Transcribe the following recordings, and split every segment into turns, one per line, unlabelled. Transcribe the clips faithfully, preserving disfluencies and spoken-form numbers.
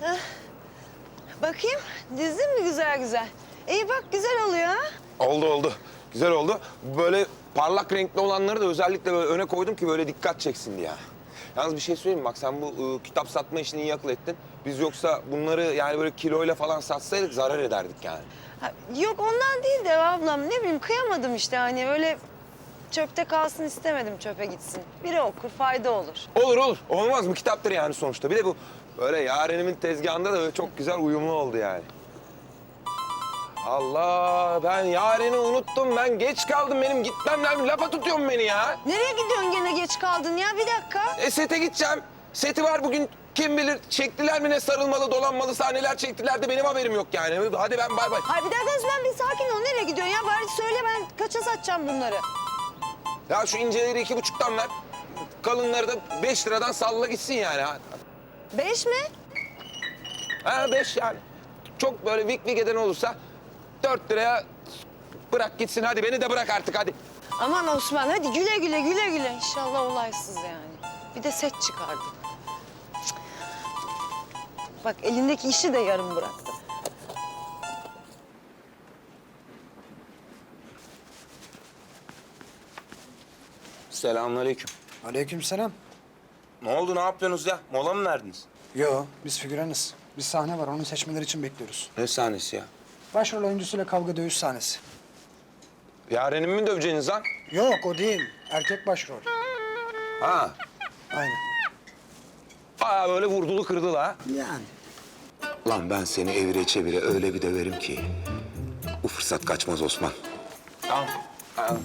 Bakayım, dizdin mi güzel güzel? İyi bak, güzel oluyor ha.
Oldu oldu. Güzel oldu. Böyle parlak renkli olanları da özellikle böyle öne koydum ki böyle dikkat çeksin diye. Yalnız bir şey söyleyeyim mi? Bak sen bu ıı, kitap satma işini iyi akıl ettin. Biz yoksa bunları yani böyle kiloyla falan satsaydık zarar ederdik yani.
Ha, yok ondan değil de ablam, ne bileyim kıyamadım işte hani öyle çöpte kalsın istemedim, çöpe gitsin. Biri okur, fayda olur.
Olur olur. Olmaz mı? Kitaptır yani sonuçta. Bir de bu böyle Yaren'imin tezgahında da böyle çok güzel uyumlu oldu yani. Allah, ben Yaren'i unuttum. Ben geç kaldım. Benim gitmem lazım. Lafa tutuyorsun beni ya.
Nereye gidiyorsun gene, geç kaldın ya, bir dakika.
E sete gideceğim. Seti var bugün. Kim bilir çektiler mi ne sarılmalı dolanmalı sahneler çektiler de benim haberim yok yani. Hadi ben bay bay.
Hayır bir dakika Osman, bir sakin ol, nereye gidiyorsun ya? Bari söyle, ben kaça satacağım bunları?
Ya şu inceleri iki buçuktan ver. Kalınları da beş liradan salla gitsin yani. Ha,
Beş mi?
ha beş yani. Çok böyle vik vik eden olursa dört liraya bırak gitsin. Hadi beni de bırak artık hadi.
Aman Osman, hadi güle güle, güle güle. İnşallah olaysız yani. Bir de set çıkardı. Cık. Bak elindeki işi de yarım bıraktı.
Selamünaleyküm.
Aleykümselam.
Ne oldu, ne yapıyorsunuz ya? Mola mı verdiniz?
Yo, biz figüranız. Bir sahne var, onu seçmeleri için bekliyoruz.
Ne sahnesi ya?
Başrol oyuncusuyla kavga dövüş sahnesi.
Yaren'imi mi döveceğiniz lan?
Yok, o değil. Erkek başrol.
Ha.
Aynen.
Aa böyle vurdulu kırdılı ha.
Yani.
Lan ben seni evire çevire öyle bir döverim ki bu fırsat kaçmaz Osman.
Tamam. Ha.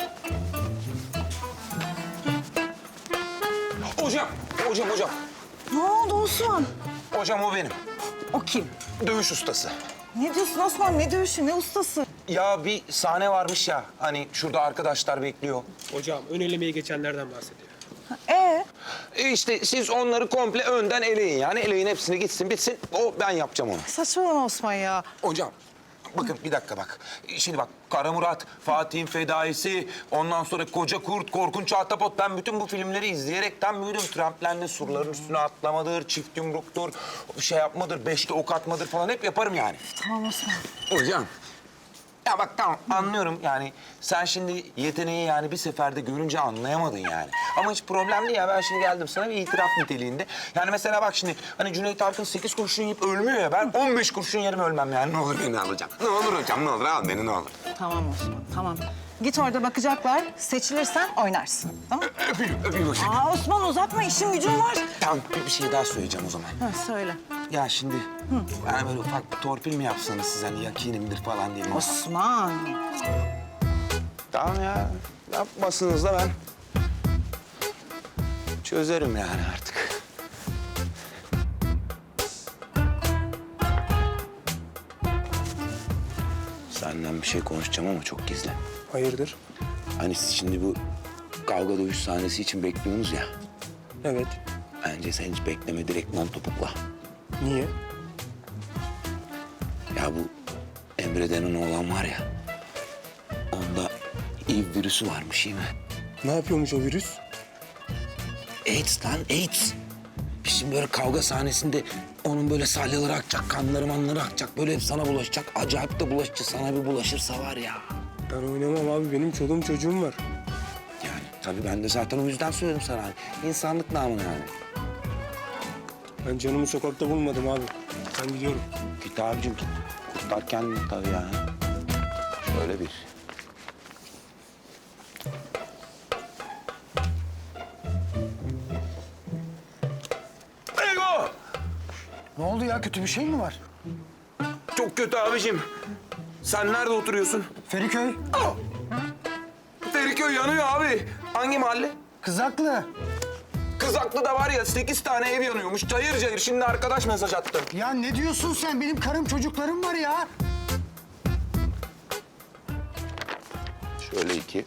Hocam, hocam, hocam.
Ne oldu Osman?
Hocam o benim.
O kim?
Dövüş ustası.
Ne diyorsun Osman? Ne dövüşü, ne ustası?
Ya bir sahne varmış ya, hani şurada arkadaşlar bekliyor.
Hocam ön elemeyi geçenlerden bahsediyor.
Ee?
E işte siz onları komple önden eleyin yani. Eleyin hepsini gitsin bitsin. O ben yapacağım onu.
Saçmalama Osman ya.
Hocam bakın bir dakika bak. Şimdi bak Kara Murat, Fatih'in Fedaisi, ondan sonra Koca Kurt, Korkunç Ahtapot. Ben bütün bu filmleri izleyerekten büyüdüm. Tramplenle surların üstüne atlamadır, çift yumruktur, şey yapmadır, beşli ok atmadır falan hep yaparım yani.
Tamam Osman.
Hocam. Ya bak tamam anlıyorum yani sen şimdi yeteneği yani bir seferde görünce anlayamadın yani. Ama hiç problem değil ya, ben şimdi geldim sana bir itiraf niteliğinde. Yani mesela bak şimdi hani Cüneyt Arkın sekiz kurşun yiyip ölmüyor ya, ben on beş kurşun yerim ölmem yani. Ne olur beni alacağım. Ne olur hocam, ne olur al beni, ne olur.
Tamam Osman, tamam. Git orada bakacaklar. Seçilirsen oynarsın. Tamam mı?
Öpeyim, öpeyim hocam.
Aa Osman uzatma, işin gücün var.
Tamam bir, bir şey daha söyleyeceğim o zaman.
Ha, söyle.
Ya şimdi yani böyle ufak bir torpil mi yapsanız siz hani yakinimdir falan diye.
Osman.
Tamam ya, yapmasınız da ben çözerim yani artık.
Senden bir şey konuşacağım ama çok gizli.
Hayırdır?
Hani siz şimdi bu kavga dövüş sahnesi için bekliyorsunuz ya.
Evet.
Bence sen hiç bekleme, direkt non topukla.
Niye?
Ya bu Emre denen oğlan var ya, onda I V virüsü varmış iyi mi?
Ne yapıyormuş o virüs?
AIDS lan, AIDS. Biz şimdi böyle kavga sahnesinde onun böyle salyaları akacak, kanları manları akacak. Böyle hep sana bulaşacak. Acayip de bulaşıcı. Sana bir bulaşırsa var ya.
Ben oynamam abi. Benim çoluğum çocuğum var.
Yani tabii ben de zaten o yüzden söyledim sana. Hani. İnsanlık namına yani.
Ben canımı sokakta bulmadım abi. Ben gidiyorum.
Git abicim git. Kurtar kendini tabii yani. Şöyle bir.
Ego!
Ne oldu ya, kötü bir şey mi var?
Çok kötü abicim. Sen nerede oturuyorsun?
Feriköy,
Aa! Feriköy yanıyor abi. Hangi mahalle?
Kızaklı.
Kızaklı da var ya sekiz tane ev yanıyormuş. Cayır cayır. Şimdi arkadaş mesaj attı.
Ya ne diyorsun sen? Benim karım çocuklarım var ya.
Şöyle iki.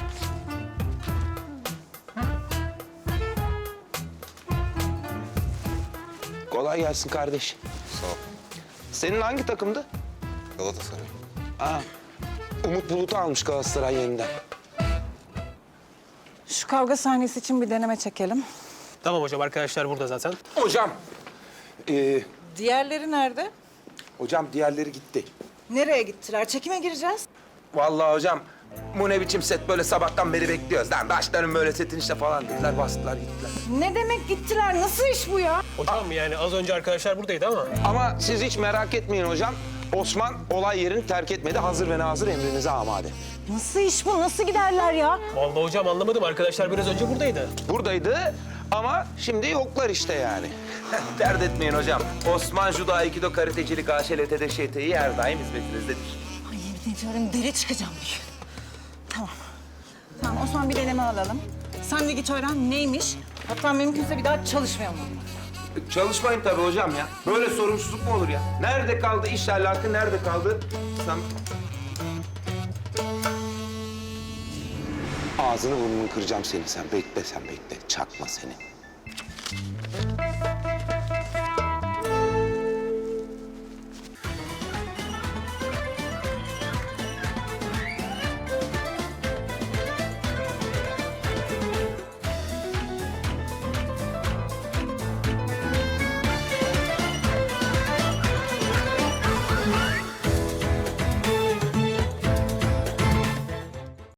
Kolay gelsin kardeş.
Sağ ol.
Senin hangi takımdı?
Galatasaray.
Aa, Umut Bulut'u almış Galatasaray yeniden.
Şu kavga sahnesi için bir deneme çekelim.
Tamam hocam, arkadaşlar burada zaten.
Hocam, e,
Diğerleri nerede?
Hocam diğerleri gitti.
Nereye gittiler? Çekime gireceğiz.
Vallahi hocam bu ne biçim set böyle sabahtan beri bekliyoruz. Lan başlarım böyle setin işte falan dediler bastılar gittiler.
Ne demek gittiler? Nasıl iş bu ya?
Hocam yani az önce arkadaşlar buradaydı ama.
Ama siz hiç merak etmeyin hocam. Osman olay yerini terk etmedi. Hazır ve nazır emrinize amade.
Nasıl iş bu? Nasıl giderler ya?
Vallahi hocam anlamadım. Arkadaşlar biraz önce buradaydı.
Buradaydı ama şimdi yoklar işte yani. Dert etmeyin hocam. Osman Judo, Aikido, Karatecilik, A Ş L T'de Ş T İ her daim hizmetinizdedir.
Ay yemin ediyorum deli çıkacağım bir gün. Tamam. Tamam Osman bir deneme alalım. Sen de git öğren neymiş. Hatta mümkünse bir daha çalışmayalım.
Çalışmayın tabii hocam ya. Böyle sorumsuzluk mu olur ya? Nerede kaldı iş ahlakı, nerede kaldı? Sen... Ağzını burnunu kıracağım seni sen. Bekle sen bekle. Çakma seni.